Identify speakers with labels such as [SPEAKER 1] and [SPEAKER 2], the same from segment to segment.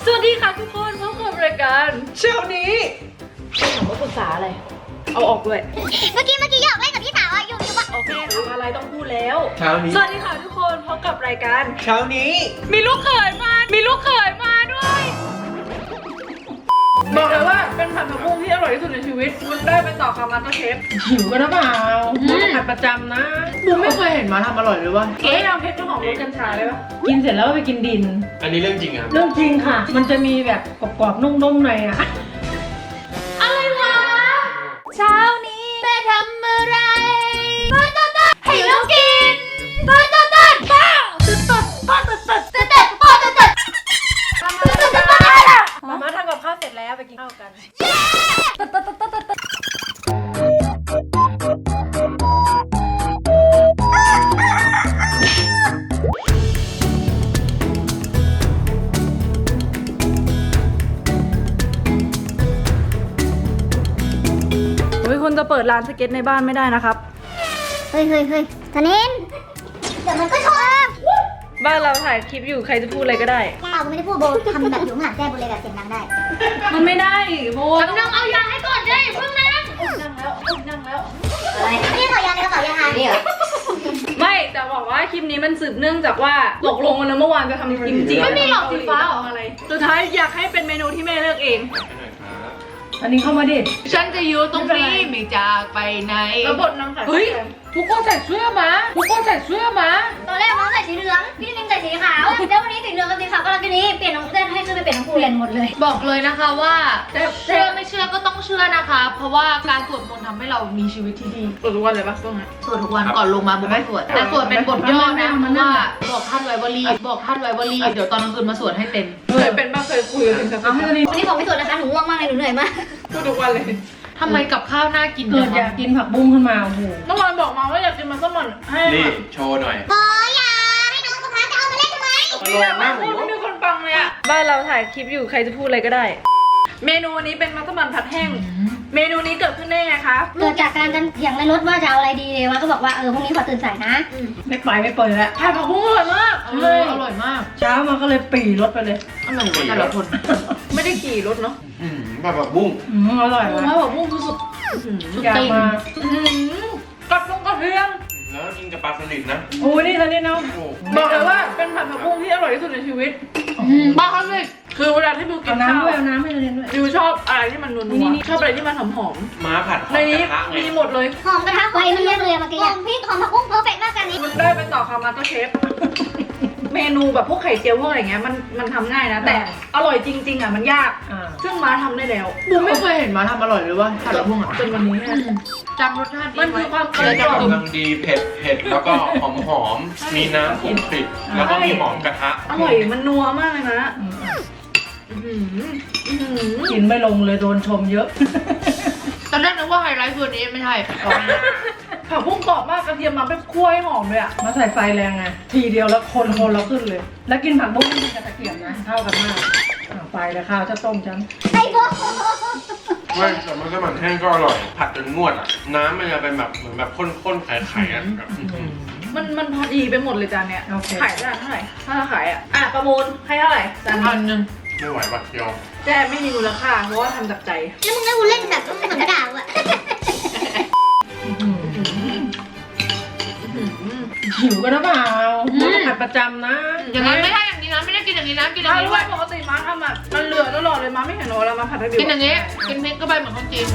[SPEAKER 1] วัสดีค่ะทุกคนพบกับรายการเช้านี้ถามว่าปรึกษาอะไรเอาออกด้วย
[SPEAKER 2] เมื่อกี้หยอกเล่นกับพี่สาวอะอยู่ว่า
[SPEAKER 1] โอเคทำอะไรต้องพูดแล้ว
[SPEAKER 3] เช้านี้
[SPEAKER 1] สวัสดีค่ะทุกคนพบกับรายการ
[SPEAKER 3] เช้านี้
[SPEAKER 1] มีลูกเขยมาด้วยบอกเลยว่าเป็นผัดผักบุ้งที่อร่อยที่สุดในชีวิตคุณได้ไปต่อคำมาสเตอร์เชฟ
[SPEAKER 4] หิวกันหรือเปล่าผัดประจำนะบูมไม่เคยเห็นมาทำอร่อยเลยว่ะ
[SPEAKER 1] เอ๊ะเอาเพชรเจ้าของรสกัญชาได้ปะ
[SPEAKER 4] กินเสร็จแล้วก็ไปกินดิน
[SPEAKER 3] อันนี้เรื่องจริงครับ
[SPEAKER 4] เรื่องจริงค่ะ มันจะมีแบบกรอบๆนุ่มๆหน่อยอ่ะ
[SPEAKER 2] อะไรวะเช้านี้แม่ทำอะไรต้นให้ลูกกินต้นป้าต้นทำอะไรล่ะ
[SPEAKER 4] มาทำกับข้าวเสร็จแล้วไปกินข้าวกัน
[SPEAKER 1] คุณจะเปิดร้านสเก็ตในบ้านไม่ได้นะครับ
[SPEAKER 2] เฮ้ยธนินเดี๋ยวมันก็ชอบ
[SPEAKER 1] บ้านเราถ่ายคลิปอยู่ใครจะพูดอะไรก็ได้
[SPEAKER 2] เปล่าไม่ได้พูดโบทำแบบอยู่ข้างหลังแจ้โบเลยแบบเสียงดังได้
[SPEAKER 1] มันไม่ได้โบ
[SPEAKER 2] นั่งเอายาให้ก่อนได้เพิ่งนั่ง
[SPEAKER 1] นั่งแล้ว
[SPEAKER 2] อะไรนี่ขอยาในกระเป๋ายาหานี่เหรอ
[SPEAKER 1] ไม่แต่บอกว่าคลิปนี้มันสืบเนื่องจากว่าตกลงกันนะเมื่อวานจะทำกิมจิไม่มีหรอกสีฟ้าหรออะไรสุดท้ายอยากให้เป็นเมนูที่แม่เลือกเอง
[SPEAKER 4] อันนี้เข้ามาดิ
[SPEAKER 5] ฉันจะอยู่ตรงนี้ไม่จากไปไหน
[SPEAKER 1] แล้วบทนางขาย
[SPEAKER 5] เฮ้ย ทุกคนใส่เสื้อมาทุกคนใส่เสื้อมา
[SPEAKER 2] ตอนแรกน้องใส่สีเหลืองพี่นิมใส่สีขาวแล้ววันนี้สีเหลืองกับสีขาวกำลังจะนี้เปลี่ยนน้องเต้นให้ขึ้นไปเปลี่ยนน้องเปลี่ยนหมดเลย
[SPEAKER 5] บอกเลยนะคะว่าเชื่อไม่เชื่อก็ต้องเชื่อนะคะ เพราะว่าการสวดมนต์ทำให้เรามีชีวิตที่ดี
[SPEAKER 1] เปิดทุกวันเลยปะต้องนะ
[SPEAKER 5] สวดทุกวันก่อนลงมาบุกสวดแต่สวดเป็นบทย่อนะเพราะว่าบอกท่านไว้ว่ารีบบอกท่านไว้ว่ารีบเดี๋ยวตอนกลางคืนมาสวดให้เต็ม
[SPEAKER 1] เคยเป็นบ้างเคยคุยกับคุณสักครั้ง
[SPEAKER 2] วันนี้ผมไม่สวดนะคะหนูง่วงมากเลยหนูเหนื่อยมาก
[SPEAKER 1] พูดทุกวันเลย
[SPEAKER 5] ทำไมกับข้าวน่ากิน
[SPEAKER 4] เกิดอยากกินผักบุ้งขึ้นมาโอ้โห
[SPEAKER 1] เมื่อวานบอกมาว่าอยากกินมัสมั่นให้
[SPEAKER 3] นี่โชว์หน่อย
[SPEAKER 2] โอ้ยอย่าให้น้องกับพาจะเอามาเล่นทำไม
[SPEAKER 1] นี่แหละไม่พูดไม่มีคนฟังเลยอะบ้านเราถ่ายคลิปอยู่ใครจะพูดอะไรก็ได้ เมนูนี้เป็นมัสมั่นผัดแห้งเมนูนี้เกิดขึ้นได้ไงคะ
[SPEAKER 2] เกิดจากการกันเถียงในรถว่าจะเอาอะไรดีเลยวะก็บอกว่าพรุ่งนี้ขอตื่นสายนะ
[SPEAKER 4] ไม่ไปไม่เปิดแล้ว
[SPEAKER 1] ผัดผักบุ้งอร่อยมาก
[SPEAKER 5] อร่อยมาก
[SPEAKER 4] เช้ามาก็เลยปีรถไปเลย
[SPEAKER 5] อร่อยกว่าแต่ละคน
[SPEAKER 1] ไม่ได้ขี่รถเนาะ
[SPEAKER 3] แบบบุ้ง
[SPEAKER 4] อร่อย
[SPEAKER 1] ผั
[SPEAKER 4] ว่ะ
[SPEAKER 1] ดผักบุ้งคือสุด
[SPEAKER 4] อยากมา
[SPEAKER 1] กับลงกระเทียม
[SPEAKER 3] แล้วกินกับปลาสลิดนะ
[SPEAKER 4] โอ้นี่ตอนนี้เนาะ
[SPEAKER 3] โอ้
[SPEAKER 1] บอกเลยว่าเป็นผัดผักบุ้งที่อร่อยที่สุดในชีวิต
[SPEAKER 5] บ้าเขาเลย
[SPEAKER 1] คือเวลาที่บิวกิ
[SPEAKER 4] เอา
[SPEAKER 1] นข้าว
[SPEAKER 4] น้ำด้วยเอาน้ำให้เราเรียนด้วย
[SPEAKER 1] บิวชอบอะไรที่มันนัวๆชอบอะไรที่มันหอม
[SPEAKER 3] ม้าผัดห
[SPEAKER 1] ๆ
[SPEAKER 3] อ
[SPEAKER 1] ใน
[SPEAKER 3] มก
[SPEAKER 1] นี้
[SPEAKER 3] ระทะไง
[SPEAKER 1] มีหมดเลย
[SPEAKER 2] หอมกระทะไฟมันเรียกเลยเมื่อกี้หอมพี่หอมผักบุ้งเพอร์เฟกต์มากกันนี้
[SPEAKER 1] คุณได้ไปต่อคำมาสเตอร์เชฟ เมนูแบบพวกไข่เจียวพวกอะไรเงี้ยมันทำง่ายนะ แต่อร่อยจริงๆอ่ะมันยาก ซึ่งม้าทำได้แล้ว
[SPEAKER 5] บูมไม่เคยเห็นมาทำอร่อยเลยว่าผัดละพุ่งอ่ะ
[SPEAKER 1] จนวันนี้นะ
[SPEAKER 5] จำรสชาติดี
[SPEAKER 1] มัน
[SPEAKER 5] ไว้
[SPEAKER 1] คือความกล
[SPEAKER 3] ก
[SPEAKER 1] มกล่อม
[SPEAKER 3] ำลังดีเผ็ดแล้วก็หอมมีน้ำคลุกคลิกแล้วก็มีหอมกระทะ
[SPEAKER 1] อร่อยมันนัวมากเลยนะอื้อหืออื้อหือ
[SPEAKER 4] กินไม่ลงเลยโดนชมเยอะ
[SPEAKER 5] ตอนแรกนึกว่าไฮไลท์คืออันนี้ไม่ใช่
[SPEAKER 1] ผักบุ้งกรอบมากกระเทียมมาเป็นคั่วให้หอมเลยอ่ะ
[SPEAKER 4] มาใส่ไฟแรงไงทีเดียวแล้วคนเราขึ้นเลย แล้วกินผักบุ้งไม่กินกับตะเกียบนะเท่ากันมากไฟแล้วข้าวจะต้มจัง
[SPEAKER 2] ไอ้โบ
[SPEAKER 3] ไม่แต่มันก็มันแห้งก็อร่อย ผัดจนงวดอ่ะ น้ำมันจะเป็นแบบเหมือนแบบข้นๆไข่ๆอ่ะแบบ
[SPEAKER 1] มันพอดีไปหมดเลยจานเนี้ย
[SPEAKER 4] โอเค
[SPEAKER 1] ขายจานเท่าไหร่ถ้าขายอ่ะประมูลให้เท่าไหร่จาน
[SPEAKER 5] พั
[SPEAKER 1] นี้
[SPEAKER 5] นหนึ่ง
[SPEAKER 3] ไม่ไหวปะยอม
[SPEAKER 1] แจ้ไม่มีมูลค่าเพราะว่าทำจากใจ
[SPEAKER 2] แล้วมึงให้กูเล่นแบบเหมือนกระดาษอะ
[SPEAKER 4] หิวกันหรือเปล่าผัดประจำนะ
[SPEAKER 5] อย่างนั้นไม่ได้อย่างนี้นะไม่ได้กินอย่างนี้นะกินอย่า
[SPEAKER 1] ถ้าง
[SPEAKER 5] นี้
[SPEAKER 1] รู้
[SPEAKER 5] ด้ว
[SPEAKER 1] ว่าย ปกติม้าทำอ่ะมันเหลือตลอดเลยม้าไม่เห็นหรอแล้วมาผัดให้บิว
[SPEAKER 5] กินอย่างนี้กินพริกก็ไปเหมือนคนจีน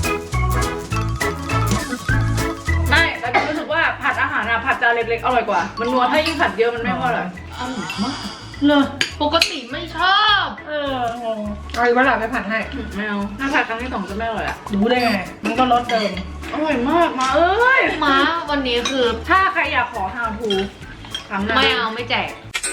[SPEAKER 1] ไม่แต่บิวรู้สึกว่าผัดอาหารอ่ะผัดจานเล็กๆอร่อยกว่า มันนัวถ้ายิ่งผัดเยอะมันไม่พอเลย
[SPEAKER 5] อร่อยมาก
[SPEAKER 4] เลย
[SPEAKER 5] ปกติไม่ชอบ
[SPEAKER 4] งงเอาอีกเวลาไปผัดให้
[SPEAKER 1] ไม่เอาถ้าผัดครั้งที่สองจะไม่อร่อยอ่ะ
[SPEAKER 4] รู้ได้ไง มันก็รสเดิม
[SPEAKER 1] อร่อยมากมาเอ้ย
[SPEAKER 5] ม้าวันนี้คือ
[SPEAKER 1] ถ้าใครอยากขอ how to ครั้งหน้า
[SPEAKER 5] ไม่เอาไม่แจก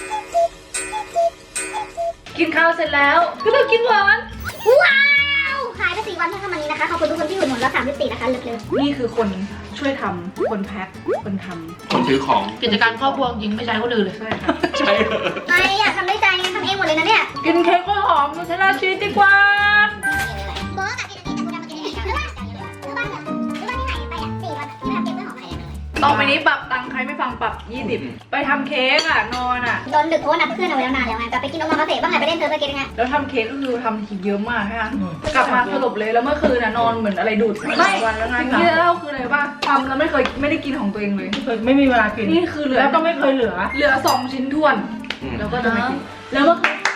[SPEAKER 1] กินข้าวเสร็จแล้วก็ต้องกินหวาน
[SPEAKER 2] ว้าวขายไป4 วันเท่าทำวันนี้นะคะขอบคุณทุกคนที่อุดหนุนแล้ว34นะคะเลิก
[SPEAKER 1] นี่คือคนช่วยทำคนแพ็คคนทำ
[SPEAKER 3] คนซื้อของ
[SPEAKER 5] กิจการครอบครัวจริงไม่ใช้คนอื่นเลย
[SPEAKER 1] ใช่ค่ะ
[SPEAKER 3] ใช่เหรอ
[SPEAKER 2] ๆไม่อยากทำได้ใจไงทำเองหมดเลยนะเนี่ย
[SPEAKER 1] กินเค้กกล้วยหอมนูเทลล่าชีสดีกว่า
[SPEAKER 2] โบ๊ะกับกินอันนี้กับกูทำมากินอันนี้หรือว่าที่หายไป4 วันที่ไม่ทำเก็บไว้หอมอะไรเลย
[SPEAKER 1] ต่อไปนี้ปรับตังค์ใครไม่ฟังปรับ20ไปทำเค้กอ่ะนอนอ่ะ
[SPEAKER 2] โดนดึกเพราะว่านัดเพื่อนเอาไว้แล้วนานแล้วไงกลับไปกินนมมาเตะบ้างไงไปเล่นเซิร์ฟสเก็ตยังไง
[SPEAKER 1] แล้วทำเค้กก็คือทำทีเยอะมากใช่ไหมกลับมาสลบเลยแล้วเมื่อคืนน่ะนอนเหมือนอะไรดูดไม่วันแล้วไงที่จะเล่าคืออะไรป่ะทำแล้วไม่ได้กินของตัวเองเลย
[SPEAKER 4] ไม่มีเวลากิน
[SPEAKER 1] นี่คือเหลือ
[SPEAKER 4] แล้วก็ไม่เคยเหลือ
[SPEAKER 1] 2 ชิ้นท้วน แล้วก็จะไม่กินแล้วเมื่อคืน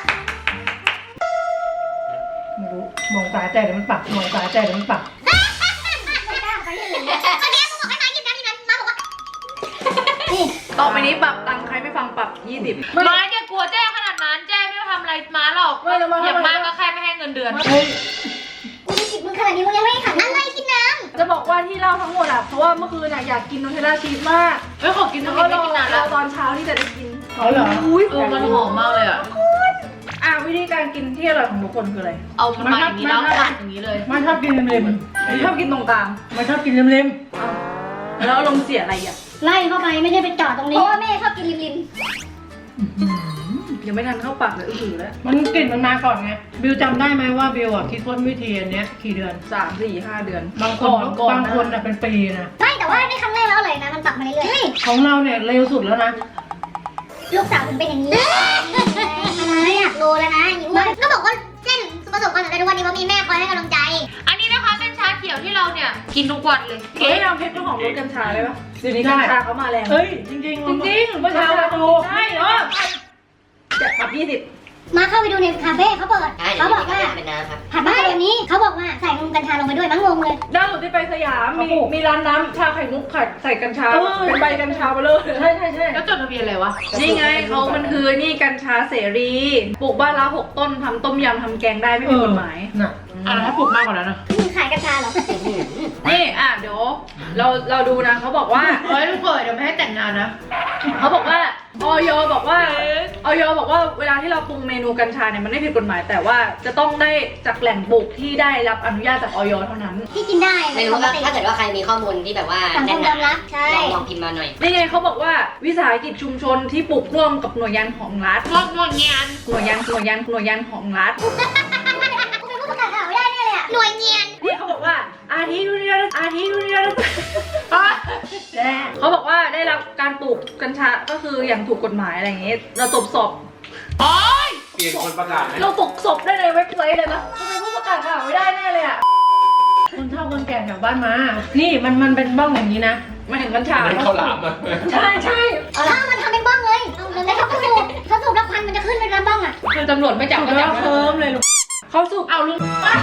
[SPEAKER 4] ไม่รู้มองตาใจเดี๋ยวมันปักมองตาใจเดี๋ยวมันปัก
[SPEAKER 2] ไม่กล้าไปที่อื่นเลยตอนนี้กูบอกให้มากินน้ำที่นั้นมาบอกว่านี่
[SPEAKER 1] ต่อไปนี้ปรับตังค์ใครไม่ฟังปรับ20
[SPEAKER 5] ม้าแกกลัวแจ้ขนาดนั้นแจ้ไม่ทำอะไรม้าหรอกอย่างมากก็แค่ไม่ให้เงินเดือน
[SPEAKER 4] เฮ้ย
[SPEAKER 2] กูจะจิบมึงขนาดนี้มึงยังไม่ให้ขันอะไรกินน้
[SPEAKER 1] จะบอกว่าที่เล่าทั้งหมดอ่ะเพราะว่าเมื่อคืนอ่ะอยากกินนูเทลล่าชีสมาก
[SPEAKER 5] เฮ้ยขอกิน
[SPEAKER 1] แล้ว
[SPEAKER 5] น้ำ
[SPEAKER 1] ก็
[SPEAKER 5] ไม่กินนานแล้ว
[SPEAKER 1] ตอนเช้าที่จะได้กิน
[SPEAKER 4] เอาเหรอ
[SPEAKER 1] อุ้ย
[SPEAKER 5] มันหอมมากเลยอ่ะ
[SPEAKER 1] วิธีการกินที่อร่อยของทุกคนคืออะไร
[SPEAKER 5] เอามันมาอย่างนี้แล้วกัดอย่างนี้เลย
[SPEAKER 4] มันชอบกินเล็ม
[SPEAKER 1] ชอบกินตรงกลาง
[SPEAKER 4] ๆมันชอบกินเล็ม
[SPEAKER 1] แล้วอารมณ์เสียอะไรอ่ะ
[SPEAKER 2] ำไล่เข้าไปไม่ได้ไปจอดตรงนี้เพราะว่าแม่ชอบกินริม
[SPEAKER 1] ยังไม่ทันเข้าปากเลยอื้อแล้ว
[SPEAKER 4] ๆมันกลิ่นมันมาก่อนไงบิวจำได้ไหมว่าบิวอ่ะคิดค้นวิธีอันเนี้ยกี่เดือน
[SPEAKER 1] 3 4 5 เดือน
[SPEAKER 4] บางคนบางคนอ่ะเป็นปีนะ
[SPEAKER 2] ไม่แต่ว่าในครั้งแรกแล้วเลยนะมันปรับมาเรื่อย
[SPEAKER 4] ของเราเนี่ยเร็วสุดแล้วนะ
[SPEAKER 2] ๆลูกสาวถึงเป็นอย่างนี้อะไรอยากรู้แล้วนะอย่างนี้ก็บอกว่าเส้นประสบความสำเร็จทุกวันนี้เพราะมีแม่คอยให้กำลังใจ
[SPEAKER 5] อันนี้นะคะเป็นชาเขียวที่เราเนี่ยกินทุกวันเลย
[SPEAKER 1] เฮ้ยเอาเพชรของรถกัญชาเลยปะเดี๋ยวนี้กัญชาเขามาแรง
[SPEAKER 4] เอ้ยจริงๆ
[SPEAKER 1] จริงๆเมื่อเช้าดูใช่เหรอจะปรับ20
[SPEAKER 2] มาเข้าไปดูในคาเฟ่เขาเปิดเขาบอกว่า
[SPEAKER 6] เป็นน้ำครับ
[SPEAKER 2] ผัดมาแบบนี้เขาบอกว่าใส่นมกัญชาลงไปด้วยมั้งงงเลย
[SPEAKER 1] ล่าสุดที่ไปสยามมีร้านน้ำชาไข่มุกไข่ใส่กัญชาเป็นใบกัญชาไปเลย
[SPEAKER 4] ใช่ใช่ใช่
[SPEAKER 5] แล้วจดทะเบียนอะไรวะ
[SPEAKER 1] นี่ไงเขามันคือนี่กัญชาเสรีปลูกบ้านละ6 ต้นทำต้มยำทำแกงได้ไม่มีกฎหมาย
[SPEAKER 4] น่ะ
[SPEAKER 5] อะไรถ้าปลูกมากกว่านั้นนะ
[SPEAKER 2] มึงขายกัญชาเหรอ
[SPEAKER 1] นี่เดี๋ยวเราดูนะเขาบอกว่า
[SPEAKER 5] เฮ้ยลูกเขยเดี๋ยวไม่ให้แต่งงานนะ
[SPEAKER 1] เขาบอกว่าออยบอกว่าเวลาที่เราปรุงเมนูกัญชาเนี่ยมันไม่ผิดกฎหมาย แต่ว่าจะต้องได้จากแหล่งปลูกที่ได้รับอนุญาตจากออยเท่านั้น
[SPEAKER 2] ที่กินได้
[SPEAKER 6] ไม่รู้ว่าถ้าเกิดว่าใครมีข้อมูลที่แบบว่า
[SPEAKER 2] สังค
[SPEAKER 6] แน่น
[SPEAKER 2] ม
[SPEAKER 6] ห
[SPEAKER 2] ย
[SPEAKER 6] นา
[SPEAKER 2] อมรับใช่
[SPEAKER 6] ลองพิมพ์มาหน่อย
[SPEAKER 1] นี่ไงเขาบอกว่าวิสาหกิจชุมชนที่ปลูกร่วมกับหน่วยงานของรัฐ
[SPEAKER 5] งอกงวงเงียน
[SPEAKER 1] หน่วยงานของรัฐ
[SPEAKER 2] กูเป็นผู้ประกาศข่าวไม่ได้แน่เลยอะหน่วยเงียน
[SPEAKER 1] นี่เขาบอกว่าอาทิตย์ดูนี่เขาบอกว่าได้รับการปลูกกัญชาก็คืออย่างถูกกฎหมายอะไรอย่างเงี้ยเราตบสอบ
[SPEAKER 5] โอ๊ย
[SPEAKER 3] เปลี่ยนคนประกาศไหม
[SPEAKER 1] เราปลุกศพได้ในเว็บไซต์เลยนะทำไมผู้ประกาศข่าวไม่ได้แน่เลยอ่ะ
[SPEAKER 4] คนเฒ่าคนแก่แถวบ้านมา นี่มันเป็นบ้องอย่างนี้นะ
[SPEAKER 1] มาถึงกัญชา
[SPEAKER 3] มันข้าวหลามอ่ะ
[SPEAKER 4] ใช่ใช่
[SPEAKER 2] ถ้ามันทำเป็นบ้องเลยแล้วเขาสูบแล้วควันมันจะขึ้นเป็นบ้องอ่ะ
[SPEAKER 5] คือตำรวจไม่จับ
[SPEAKER 4] ถูก
[SPEAKER 5] ก็
[SPEAKER 4] แล้
[SPEAKER 5] จั
[SPEAKER 4] ว
[SPEAKER 5] บ
[SPEAKER 4] เคิร์มเลยลูก
[SPEAKER 1] เขาสูบ
[SPEAKER 5] เอาลุง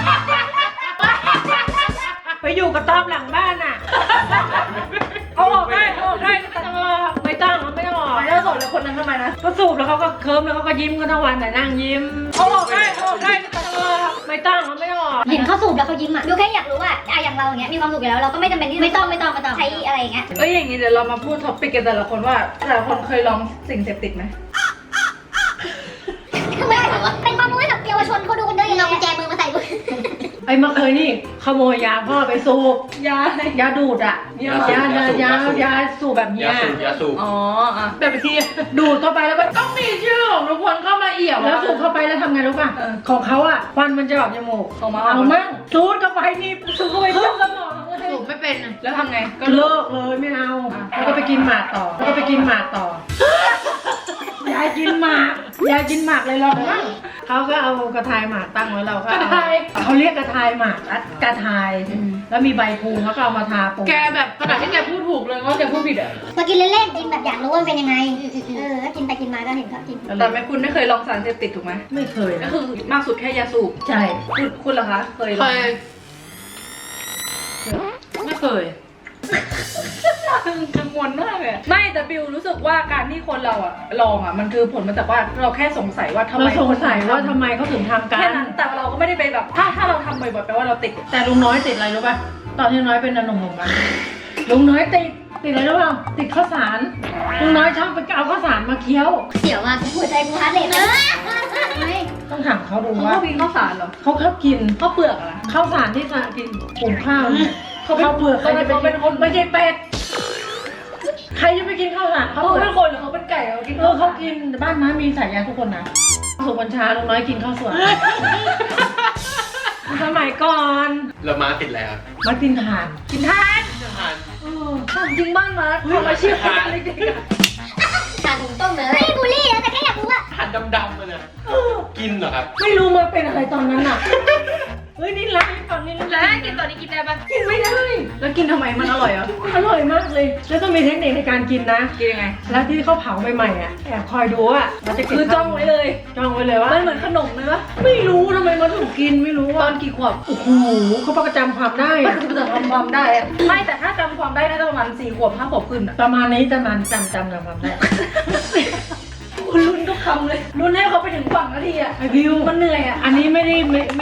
[SPEAKER 4] ไปอยู่กับตอบหลังบ้านอ่ะ
[SPEAKER 1] เอาออกได้
[SPEAKER 4] ไม่ต้องไม่ต้องไม่ต้อง
[SPEAKER 1] แล้วสดแล้วคนนั้นทำไมนะ
[SPEAKER 4] ก็สูบแล้วเขาก็เคิร์มแล้วเขาก็ยิ้มกันทั้งวันแต่นั่งยิ้ม
[SPEAKER 1] เอาออกได้
[SPEAKER 4] ไม่ต้องไม่ต้อง
[SPEAKER 2] เห็นเขาสูบแล้วเขายิ้มอ่ะดูแค่อยากรู้ว่าอย่างเราอย่างเงี้ยมีความสุขอยู่แล้วเราก็ไม่จำเป็นที่ไม่ต้องใช้อะไรอย่างเงี้ย
[SPEAKER 1] เอ้ยอย่างงี้เดี๋ยวเรามาพูดท็อปปิกกันแต่ละคนว่าแต่ละคนเคยลองสิ่งเสพติดไหม
[SPEAKER 2] คือไม่เป็นความรู้ให้กับเยาวชนเขาดูกันด้วยเรากุญแจมือมาใส่ด้วย
[SPEAKER 4] ไอ้เมื่อเคยนี่ขโมยยาพ่อไปสูบ
[SPEAKER 1] ยา
[SPEAKER 4] ยาดูดอ่ะยาสูบแบบเนี้
[SPEAKER 3] ยาสูบ
[SPEAKER 1] อ๋อ
[SPEAKER 4] แบบที่ดูดเข้าไปแล้วก็
[SPEAKER 5] ต้องมีชื่อของทุกคนเข้ามาเอี่ยว
[SPEAKER 4] แล้วสูบเข้าไปแล้วทำไงรู้ป่ะของเขาอ่ะควันมันจะออกจมูก
[SPEAKER 1] เอามา
[SPEAKER 4] เอามั่งสูดเข้าไปนี่สูดเข้าไปขึ้นสมองเลย
[SPEAKER 5] สูบไม่เป็น
[SPEAKER 1] แล้วทำไง
[SPEAKER 4] ก็เลิกเลยไม่เอาแล้วก็ไปกินหมากต่อ ยายกินหมากเลยเราบ้างเขาก็เอากระทายหมากตั้งไว้เราก็เขาเรียกกระทายหมากกระทายแล้วมีใบพูเขาก็เอามาทาปก
[SPEAKER 5] แกแบบขนาดที่แกพูดถูกเลยว่าแกพูดผิดอ่ะ
[SPEAKER 2] มากินเล่นๆกินแบบอยากรู้ว่ามันเป็นยังไงกินไปกินมาก็เห็นเขากิน
[SPEAKER 1] แต่ไม่คุณไม่เคยลองสารเสพติดถูกไหม
[SPEAKER 4] ไม่เคย
[SPEAKER 1] ก็
[SPEAKER 4] นะ
[SPEAKER 1] คือมากสุดแค่ยาสูบ
[SPEAKER 4] ใช่
[SPEAKER 1] คุณเหรอคะเคยล
[SPEAKER 5] เค
[SPEAKER 1] อง
[SPEAKER 5] ยไม่เคย
[SPEAKER 1] กังวลมากเลยไม่แต่บิวรู้สึกว่าการที่คนเราลองมันคือผลมาจากว่าเราแค่สงสัยว่าทำไม
[SPEAKER 4] เราสงสัยว่าทำไมเขาถึงทำกั
[SPEAKER 1] แค่
[SPEAKER 4] น
[SPEAKER 1] นั้นแต่เราก็ไม่ได้ไปแบบถ้าเราทำบ่อยๆแปลว่าเราติด
[SPEAKER 4] แต่ลุงน้อยติดอะไรรู้ป่ะตอนที่ลุงน้อยเป็นหนุ่มๆกันลุงน้อยติดอะไรรู้ป่ะติดข้าวสารลุงน้อยชอบไปเอาข้าวสารมาเคี้ยว
[SPEAKER 2] เสียวมากหัวใจกูฮาร์ดเรทเลย
[SPEAKER 4] ต้องถามเขาดู
[SPEAKER 1] เขา
[SPEAKER 4] ว่า
[SPEAKER 1] ก็กินข้าวสารเหรอ
[SPEAKER 4] เขาชอบกิน
[SPEAKER 1] ข้าวเปลือกอะนะ
[SPEAKER 4] ข้าวสารที่กินหุงข้าวเนี่ยข้าวเปลือกใครจะไปกินไม่ใช่เป็ดใครจะไปกินข้าวสารข้าว
[SPEAKER 1] เขา
[SPEAKER 4] เปลื
[SPEAKER 1] เป็
[SPEAKER 4] อน ก
[SPEAKER 1] คนหรือเขาเป็นไก่เขากิน
[SPEAKER 4] เขากินบ้านน้ามีสายยาทุกคนนะสุกัญชาลุงน้อยกินข้าวสวยสมัยก่อน
[SPEAKER 3] แล้วม้าติดอะไรครับ
[SPEAKER 4] มากินถ่าน
[SPEAKER 1] กินทาน
[SPEAKER 3] ทาน
[SPEAKER 1] ถามจริงบ้านมาทำอาชีพอะไรกัน
[SPEAKER 6] ทานถุงต้มเลยไม่บูลลี่นะแต่แค่อยากรู้ว่า
[SPEAKER 3] หั่นดำๆเลยนะกินเหรอครับ
[SPEAKER 4] ไม่รู้มาเป็นอะไรตอนนั้นอ่ะ เฮ้ยนี่รักตอนนี้
[SPEAKER 5] แล้วกินตอนนี้กินได้ปะ
[SPEAKER 4] กินไม่ได้
[SPEAKER 1] แล้วกินทำไมมันอร่อยเหรอ
[SPEAKER 4] อร่อยมากเลย แล้วต้องมีเทคนิคในการกินนะ
[SPEAKER 1] กินยังไง
[SPEAKER 4] แล้วที่เขาเผาใหม่ๆอ่ะแอบคอยดูอ่ะเราจะเก็บ
[SPEAKER 1] คือจ้องไว้เลย
[SPEAKER 4] จ้องไว้เลยว่า
[SPEAKER 1] มันเหมือนขนมเลยปะ
[SPEAKER 4] ไม่รู้ทำไมมันถึงกินไม่รู้
[SPEAKER 1] ตอ
[SPEAKER 4] อ่ะ
[SPEAKER 1] นกี่ขวบ
[SPEAKER 4] โอ้โหเขาประจำความได้
[SPEAKER 1] มั
[SPEAKER 4] อะ
[SPEAKER 1] นจะทำความได้อะไม่แต่ถ้าจำความได้น่าจะประมาณ4 ขวบ 5 ขวบขึ้นอะ
[SPEAKER 4] ประมาณนี้จะมันจำความได้
[SPEAKER 1] คุณลุ้นทุกคำเลยลุ้นให้เขาไปถึงฝั่งนาทีอะ
[SPEAKER 4] ไอวิว
[SPEAKER 1] มันเหนื่อยอะ
[SPEAKER 4] อันนี้ไม่ได้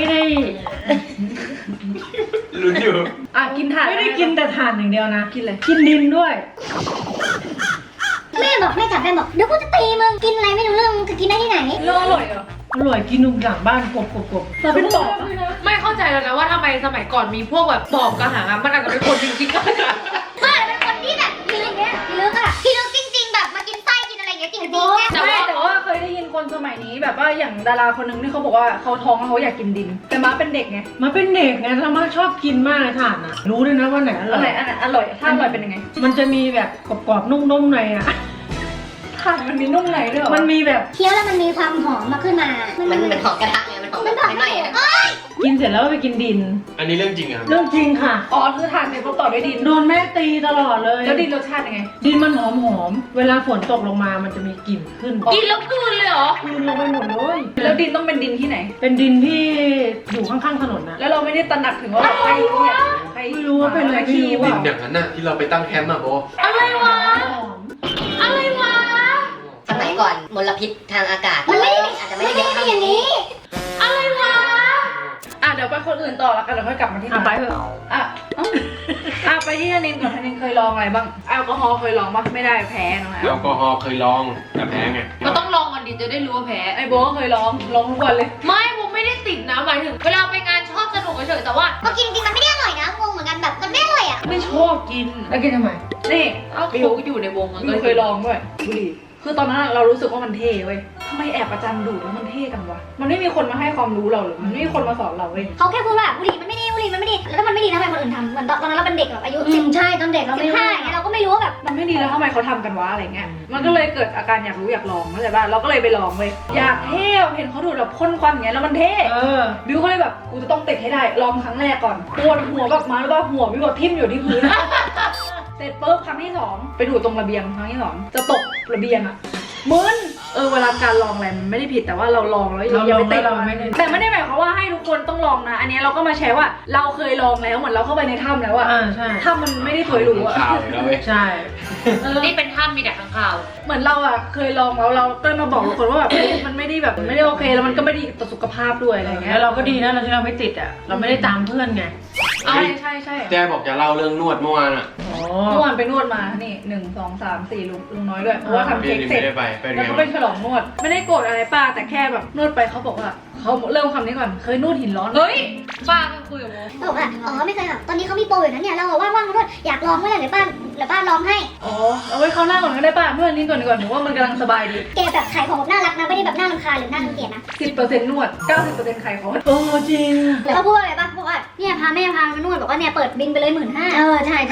[SPEAKER 3] ลุ้นอยู่
[SPEAKER 1] อ่ะกินถ่าน
[SPEAKER 4] ไม่ได้กินแต่ถ่านอย่างเดียวนะ
[SPEAKER 1] กินเลย
[SPEAKER 4] กินดินด้วย
[SPEAKER 2] แม่บอกแม่จ๋าแม่บอกเดี๋ยวกูจะตีมึงกินอะไรไม่รู้เรื่องมึงจะกินได้ที่ไหน
[SPEAKER 1] เรื่องอร่อยเหรอ
[SPEAKER 4] อร่อยกินนุ่มหลังบ้านกบ
[SPEAKER 1] เราเป็นปอบอะ
[SPEAKER 5] ไม่เข้าใจแล้วนะว่าทำไมสมัยก่อนมีพวกแบบปอบกระหังอะมันอาจจะเป็นคนจริงๆก็ได้
[SPEAKER 2] ไม่เป็นคนที่แบบพิลึกเนี่ยพิลึกอะพิลึกจริงๆแบบมากินไส้กินอะไรอย่างเงี้ยจริงๆเนี่ย
[SPEAKER 1] แต่ว่าเคยได้ยินคนสมัยนี้แบบว่าอย่างดาราคนหนึงที่เขาบอกว่าเขาท้องแล้วเขาอยากกินดิน แต่ม้าเป็นเด็กไง
[SPEAKER 4] มาเป็นเด็กไงธรรมะชอบกินมากเลยถ่านอ่ะ รู้ด้วยนะว่าไหนอร่
[SPEAKER 1] อัน
[SPEAKER 4] อ
[SPEAKER 1] ไหน
[SPEAKER 4] ย
[SPEAKER 1] อันไหนอร่อยถ้าอร่อยเป็นยังไง
[SPEAKER 4] มันจะมีแบบกรอบๆนุ่มๆในอ่ะ
[SPEAKER 1] ถ่านมันมีนุ่มในด้วยเหรอ
[SPEAKER 4] มันมีแบบ
[SPEAKER 2] เคี้ยวแล้วมันมีความหอมมาขึ้นมา
[SPEAKER 6] มันเป็นหอมกระทะไงมันหอม
[SPEAKER 2] มัน
[SPEAKER 6] แบบ
[SPEAKER 2] หอม
[SPEAKER 6] ไหม้ๆอะ
[SPEAKER 4] กินเสร็จแล้วก็ไปกินดิน
[SPEAKER 3] อันนี้เรื่องจริงอะครับ
[SPEAKER 4] เรื่องจริงค่ะ
[SPEAKER 1] อ๋อคือถ่านเนี่ยเขาต่อด้วยดิน
[SPEAKER 4] โดนแม่ตีตลอดเลย
[SPEAKER 1] แล้วดินรสชาติยังไง
[SPEAKER 4] ดินมันหอมๆเวลาฝนตกลงมามันจะมีกลิ่นขึ้น
[SPEAKER 5] กินแล้วกลืนเลยเหรอ
[SPEAKER 4] กลืนลงไปหมดเลย
[SPEAKER 1] แล้วดินต้องเป็นดินที่ไหน
[SPEAKER 4] เป็นดินที่อยู่ข้างๆถนนนะ
[SPEAKER 1] แล้วเราไม่ได้ตระหนักถึงว่าแบบใครเนี่ยใคร
[SPEAKER 4] ไม่รู้ว่าเป็นอะไร
[SPEAKER 1] ขี้
[SPEAKER 4] ไม่รู้
[SPEAKER 3] ดิ
[SPEAKER 1] ว่ะ
[SPEAKER 3] นอย่างนั้นน่ะที่เราไปตั้งแคมป์อะโบ
[SPEAKER 5] อะไรวะ อะไรวะ
[SPEAKER 6] สมัยก่อนมลพิษทางอากาศ
[SPEAKER 2] มันไม่ได้
[SPEAKER 6] อาจจะ
[SPEAKER 2] ไม่
[SPEAKER 6] ไม่ได้
[SPEAKER 2] ได้
[SPEAKER 6] เยอะ
[SPEAKER 2] มีอย่างนี้
[SPEAKER 5] อะไรวะ
[SPEAKER 1] อ่ะเดี๋ยวไปคนอื่นต่อแล้วกันเดี๋ยวค่อยกลับมาที่
[SPEAKER 4] อ่ะ
[SPEAKER 1] ร้าน
[SPEAKER 4] ไปเถอะ
[SPEAKER 1] อ่ะเอ้าอ่ะไปที่ธนินก่อนธนินเคยลองอะไรบ้างแอลกอฮอล์เคยลองปะไม่ได้แพ้น้องแอ
[SPEAKER 3] แอ
[SPEAKER 1] ล
[SPEAKER 3] ลกอฮอล์เคยลองแต่แพ้ไง
[SPEAKER 5] ก็ต้องลองก่อนดิจะได้รู้ว่าแพ้
[SPEAKER 1] ไอโบก็เคยลองทุกวันเลย
[SPEAKER 5] ไม่ผมไม่ได้ติดนะหมายถึงเวลาไปงานชอบสนุกเฉยๆแต่ว่า
[SPEAKER 2] พอกินจริงมันไม่ได้อร่อยนะงงเหมือนกันแบบมันไม่อร่อยอะ
[SPEAKER 5] ไม่ชอบกิน
[SPEAKER 4] แล้วกินทำไม
[SPEAKER 1] นี่
[SPEAKER 5] เอาเขาอยู่ในวงมัน
[SPEAKER 1] ก็
[SPEAKER 5] ก็
[SPEAKER 1] เคยลองด้วยบุหรี่คือตอนนั้นเรารู้สึกว่ามันเท่เว้ยทำไมแอบประจำดูดแล้วมันเท่กันวะมันไม่มีคนมาให้ความรู้เราหรือมันไม่มีคนมาสอนเราเว้ย
[SPEAKER 2] เขาแค่พูดว่าบุหรี่มันไม่ดีบุหรี่มันไม่ดีแล้วถ้ามันไม่ดีทำไมคนอื่นทำเหมือนตอนนั้นเราเป็นเด็กแบบอายุ10ใช่ตอนเด็กเราไม่รู้15เราก็ไม่รู้ว่าแบบ
[SPEAKER 1] มันไม่ดีแล้วทำไมเขาทำกันวะอะไรเงี้ยมันก็เลยเกิดอาการอยากรู้อยากลองเข้าใจป่ะเราก็เลยไปลองเว้ยอยากเท่เห็นเขาดูดแบบพ่นควันอย่างเงี้ยแล้วมันเท่ บิวก็เลยแบบกูจะต้องติดให้ได้ลองครั้งแรกก่อนปวดหัวแบบมาแล้วก็หัวบิวแบบทิ่มอยู่ที่พื้น เสร็จปุ๊บครั้งที่ 2ไปดูดตรงระเบียงครั้งที่ 2จะตกระเบียงอะมึนเวลาการลองอะไรมันไม่ได้ผิดแต่ว่าเราลองแล้วอย่าไปติด
[SPEAKER 4] เราไม่ได้
[SPEAKER 1] แต่ไม่ได้หมายความว่าให้ทุกคนต้องลองนะ อันนี้เราก็มาแชร์ว่าเราเคยลองแล้วเหมือนเราเข้าไปในถ้ำแล้วอะ
[SPEAKER 4] ใช่
[SPEAKER 1] ถ้ำมันไม่ได้สวยหรูอะ
[SPEAKER 3] ข่าวอีกแล้วเว้ย
[SPEAKER 4] ใช่
[SPEAKER 5] นี่เป็นถ้ำมีแต่ข้างคาว
[SPEAKER 1] เหมือนเราอะเคยลองแล้วเราก็มาบอกทุกคนว่าแบบเฮ้ยมันไม่ได้แบบไม่ได้โอเคแล้วมันก็ไม่ดีต่อสุขภาพด้วยอะไรเงี้
[SPEAKER 4] แล้
[SPEAKER 1] ยว
[SPEAKER 4] เราก็ดีนะเราที่เราไม่ติดอ่ะ เราไม่ได้ตามเพื่อนไง
[SPEAKER 1] ใช่ใช่ใช่
[SPEAKER 3] แจ้บอกจะเล่าเรื่องนวดเมื่อวานอะ
[SPEAKER 1] เมื่อวานไปนวดมา นี่1 2 3 4ลุงน้อยด้วย เพราะว่าทำ
[SPEAKER 3] พี่
[SPEAKER 1] เค้ก
[SPEAKER 3] นี่
[SPEAKER 1] เสร็
[SPEAKER 3] ไม่
[SPEAKER 1] จ
[SPEAKER 3] ได้ไปเป็น
[SPEAKER 1] แล้ว
[SPEAKER 3] ไง
[SPEAKER 1] ก็ไปฉลองนวด ไม่ได้โกรธอะไรป้า แต่แค่แบบนวดไปเขาบอกว่าเขาเริ่มคำนี้ก่อน เคยนวดหินร้อน
[SPEAKER 5] เฮ้ยป้าก็คุยกับโม
[SPEAKER 2] เขาบอกว่าอ๋อไม่เคยค่ะตอนนี้เขามีโปรอยู่นะเนี่ยเราว่างๆมาด้วยอยากลองเมื่อไหร่เดี๋ยวป้าลองให้
[SPEAKER 1] อ๋อ เอาไว้เขาวหน้าก่อนก็ได้ป้านวดนี้ก่อนดีกว่าหนูว่ามันกำลังสบายดี
[SPEAKER 2] แกแบบขายของแบบน่ารักนะไม่ได้แบบน่ารำคาญหรือน่ารังเกียจนะ
[SPEAKER 1] 10% นวด 90% ไข่เขา
[SPEAKER 4] จริง
[SPEAKER 2] แล้วเขาพูดอะไรป่ะบอกว่าเนี่ยพาแม่พามานวดบอกว่าเนี่ยเปิดบินไปเลย15,000ใช่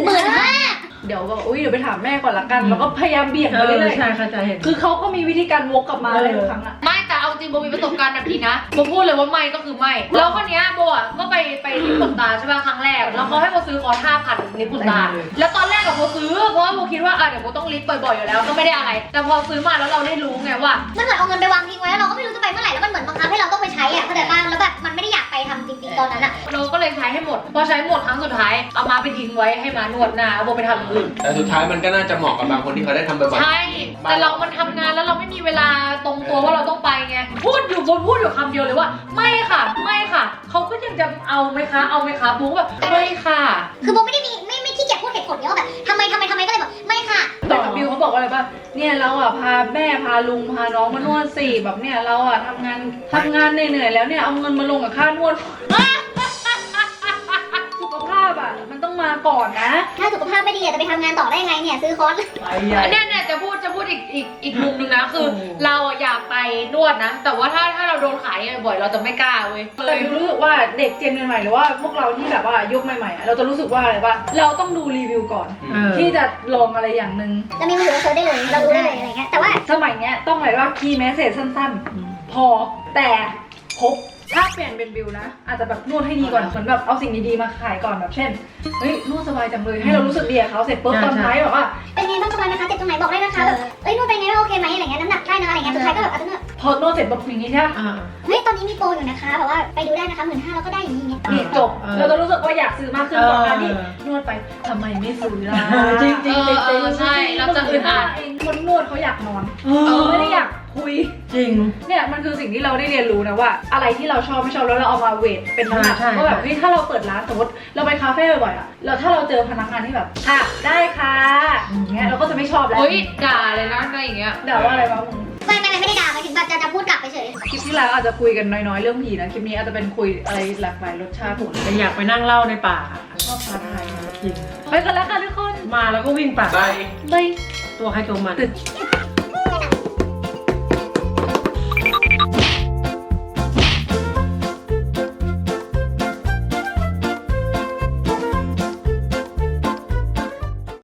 [SPEAKER 2] 15,000
[SPEAKER 1] เดี๋ยวแบบอุ้ยเดี๋ยวไปถามแม่ก่อนละกัน แล้วก็พยายามเบี่ยงไปเรื่อย
[SPEAKER 4] ใช่เข้าใจเห็น
[SPEAKER 1] ๆคือเขาก็มีวิธีการวกกลับมาเลยทุกครั้งอะ
[SPEAKER 5] ไม่แต่เอาจริงโบมีประสบการณ์แบบนี้นะโบพูดเลยว่าไม่ก็คือไม่แล้วคนเนี้ยโบอ่ะก็ไปลิปขนตาใช่ป่ะครั้งแรกแล้วเขาให้โบซื้อคอร์ส5,000ลิปขนตาแล้วตอนแรกกับโบซื้อเพราะว่าโบคิดว่าเดี๋ยวโบต้องลิปบ่อยๆอยู่แล้วก็ไม่ได้อะไร แต่พอซื้อมาแล้วเราได้รู้ไงว่า
[SPEAKER 2] มันเหมือนเอาเงินไปวางทิ้งไว้แล้วเราก็ไม่รู้จะไปเมื่อไหร่แล้วมันเหมือนบังคับให้เราต้องไปใช้อ่ะเข้าใจป่ะแล้วแบบมันไม่ได้อยากไปทำจริงๆตอนนั้นอ่ะ
[SPEAKER 5] เราก็เลยใช้ให้หมด พอใช้หมดครั้งสุดท้ายเอามาไปทิ้งไว้ให้มานวดหน้าเอาโบไปทำอย่างอื่น
[SPEAKER 3] แต่สุดท้ายมันก็น่าจะเหมาะกับบางคนที่เขาได้ทำบ่อย
[SPEAKER 5] ใช่ แต่เรามันทำงานแล้วเราไม่มีเวลาตรงตัวว่าเราต้องไปไงพูดอยู่คำเดียวเลยว่า ไม่ค่ะไม่ค่ะเขาก็ยังจะเอาไหมคะเอาไหมคะบุ๊กแบบไม่ค่ะ
[SPEAKER 2] คือโบไม่ได้มีไม่ขี้เกียจพูดเหตุผลเนี้ยว่าแบบทำไมก็เลยแบบไม่ค่ะ
[SPEAKER 1] แต่กับบิวเขาบอกว่าอะไรป่ะ เนี่ยเราอ่ะพาแม่พาลุงพาน้องมานวดสิแบบเนี่ยเราอ่ะทำงานเหนื่อยๆแล้วเนี่ยเอาเงินมาลงกับค่านวด สุขภาพอ่ะมันต้องมาก่อนนะ
[SPEAKER 2] ถ้าสุขภาพไม่ดีจะไปทำงานต่อได้ยังไงเนี่ยซื้อคอร์ส
[SPEAKER 5] เนี่ยจะพูดอีกมุมนึงนะคือเราอะอยากไปนวดนะ แต่ว่าถ้าเราโดนขายบ่อยๆเราจะไม่กล้าเว้ย
[SPEAKER 1] แต่บิวรู้สึกว่าเด็กเจนใหม่ๆหรือว่าพวกเราที่แบบว่ายุคใหม่ๆอะเราจะรู้สึกว่าอะไรป่ะเราต้องดูรีวิวก่อน ที่จะลองอะไรอย่างหนึ่ง
[SPEAKER 6] เรามีมือถือเราเซิร์ชได้เลยเรารู้ได้เลยอะไรเงี้ยแต่ว่า
[SPEAKER 1] สมัยเนี้ยต้องอะไรว่าคีย์แมสเซจสั้นๆ พอแต่ครบถ้าเปลี่ยนเป็นบิวนะ อาจจะแบบนวดให้ดีก่อนเหมือนแบบเอาสิ่งดีๆมาขายก่อนแบบเช่นเฮ้ยนวดสบายจังเลยให้เรารู้สึกดีกับเขาเสร็จปุ๊บตอนท้ายแบบว่า
[SPEAKER 6] เป็นไงบ้างสบายไหมคะเจ็บตรงไหนบอกได้นะคะแบบนวดเป็นไงบ้างโอเคไหมอะไรเงี้ยน้ำหนักได้นะอะไรเงี้ยสุดท้ายก็แบบอาจจะนวด
[SPEAKER 1] พอนวดเสร็จปุ๊บอย่างนี้ใช่ไหม
[SPEAKER 6] เฮ้ยตอนนี้มีโปรอยู่นะคะแบบว่าไปดูได้นะคะ15,000แล้วก็ได้อย่างนี้
[SPEAKER 1] นี่จบเราจะรู้สึกว่าอยากซื้อมากขึ้นกว่าการที่นวดไปทำไมไม่ซื้อล่ะ
[SPEAKER 4] จริงจริงจริง
[SPEAKER 5] ใช่เราจะอึดอัด
[SPEAKER 1] คนนวดเขาอยากนอนไม่ได้อยากคุย
[SPEAKER 4] จริง
[SPEAKER 1] เนี่ยมันคือสิ่งที่เราได้เรียนรู้นะว่า อะไรที่เราชอบไม่ชอบแล้วเราเอามาเวทเป็นน้ำหนัก
[SPEAKER 4] ใช่
[SPEAKER 1] ก็แบบเฮ้ยถ้าเราเปิดร้านสมมติเราไปคาเฟ่บ่อยๆอะแล้วถ้าเราเจอพนักงานที่แบบค่ะได้ค่ะอย่างเงี้ยเราก็จะไม่ชอบแล้ว
[SPEAKER 5] เฮ้ยด่าเลยนะอะไรอย่างเงี้ย
[SPEAKER 1] ด่าว่าอะไรวะมึง
[SPEAKER 6] ไม่ได้ด่าไปถึงแบบจะพูดกลับไปเฉย
[SPEAKER 1] คลิปที่แล้วอาจจะคุยกันน้อยๆเรื่องผีนะคลิปนี้อาจจะเป็นคุยอะไรหลากหลายรสชาติผม
[SPEAKER 4] แต่อยากไปนั่งเล่าในป่า
[SPEAKER 1] ชอบท้าทาย
[SPEAKER 4] จริง
[SPEAKER 1] ไปกันแล้วค่ะทุกคน
[SPEAKER 4] มาแล้วก็วิ่งป่า
[SPEAKER 3] ได้
[SPEAKER 1] บาย
[SPEAKER 4] ตัวใครตัวมัน
[SPEAKER 1] ตึก